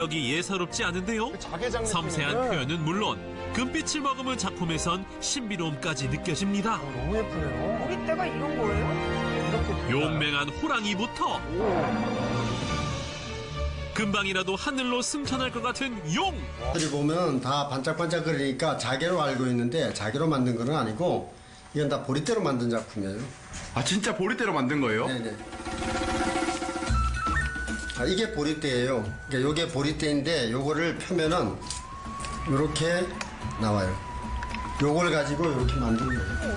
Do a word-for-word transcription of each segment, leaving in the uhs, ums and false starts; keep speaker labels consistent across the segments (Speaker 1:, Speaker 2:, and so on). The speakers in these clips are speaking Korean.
Speaker 1: 여기 예사롭지 않은데요.
Speaker 2: 자개장
Speaker 1: 섬세한
Speaker 2: 느낌인데.
Speaker 1: 표현은 물론 금빛을 머금은 작품에선 신비로움까지 느껴집니다.
Speaker 2: 어, 너무 예쁘네요.
Speaker 3: 보리대가 이런 거예요?
Speaker 2: 이렇게
Speaker 1: 용맹한 호랑이부터
Speaker 2: 오.
Speaker 1: 금방이라도 하늘로 승천할 것 같은 용!
Speaker 4: 들이 보면 다 반짝반짝거리니까 자개로 알고 있는데 자개로 만든 건 아니고 이건 다 보리대로 만든 작품이에요.
Speaker 5: 아 진짜 보리대로 만든 거예요?
Speaker 4: 네네. 아, 이게 보리대예요. 그러니까 요게 보리대인데 요거를 펴면은 요렇게 나와요. 요걸 가지고 요렇게 만든 거예요.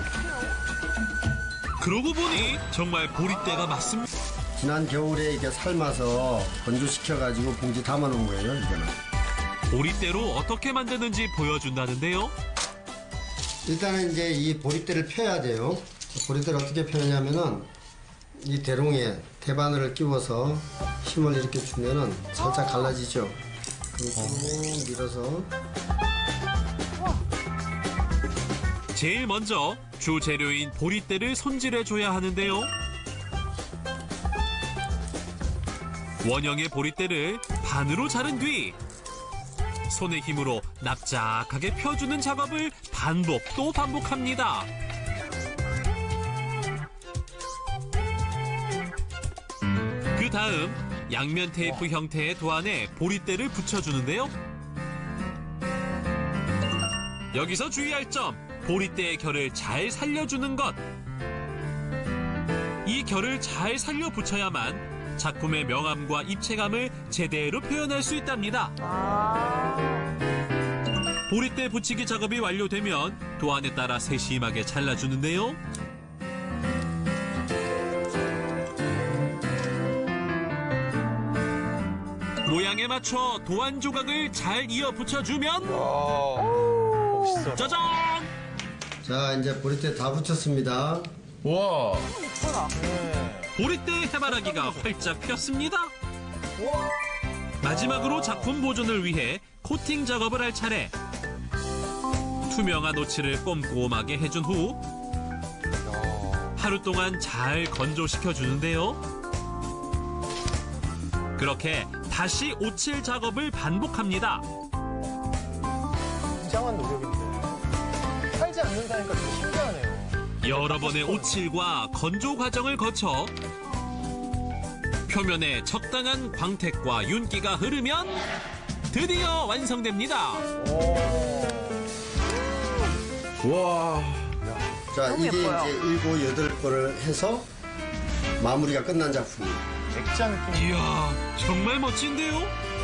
Speaker 1: 그러고 보니 정말 보리대가 맞습니다.
Speaker 4: 지난 겨울에 이게 삶아서 건조시켜가지고 봉지 담아놓은 거예요, 이거는.
Speaker 1: 보리대로 어떻게 만드는지 보여준다는데요.
Speaker 4: 일단은 이제 이 보리대를 펴야 돼요. 보리대를 어떻게 펴냐면은 이 대롱에 대바늘을 끼워서 힘을 이렇게 주면은 살짝 갈라지죠. 그럼 쭉 밀어서
Speaker 1: 제일 먼저 주 재료인 보리대를 손질해줘야 하는데요. 원형의 보리대를 반으로 자른 뒤 손의 힘으로 납작하게 펴주는 작업을 반복 또 반복합니다. 그 다음 양면 테이프 형태의 도안에 보리대를 붙여주는데요. 여기서 주의할 점, 보리대의 결을 잘 살려주는 것. 이 결을 잘 살려 붙여야만 작품의 명암과 입체감을 제대로 표현할 수 있답니다. 보리대 붙이기 작업이 완료되면 도안에 따라 세심하게 잘라주는데요. 모양에 맞춰 도안 조각을 잘 이어 붙여주면
Speaker 2: 멋있어.
Speaker 1: 짜잔!
Speaker 4: 자 이제 보리대 다 붙였습니다.
Speaker 5: 와.
Speaker 1: 보리대 해바라기가 활짝 폈습니다. 마지막으로 작품 보존을 위해 코팅 작업을 할 차례. 투명한 오칠을 꼼꼼하게 해준 후 하루 동안 잘 건조시켜 주는데요. 그렇게 다시 오칠 작업을 반복합니다.
Speaker 2: 굉장한 노력인데 살지 않는다니까 좀 신기하네요.
Speaker 1: 여러 번의 오칠과 건조 과정을 거쳐 표면에 적당한 광택과 윤기가 흐르면 드디어 완성됩니다.
Speaker 5: 와.
Speaker 4: 자
Speaker 3: 너무
Speaker 4: 이게
Speaker 3: 예뻐요.
Speaker 4: 이제 일곱 여덟 번을 해서 마무리가 끝난 작품이에요.
Speaker 2: 액자 느낌.
Speaker 1: 이야, 정말 멋진데요?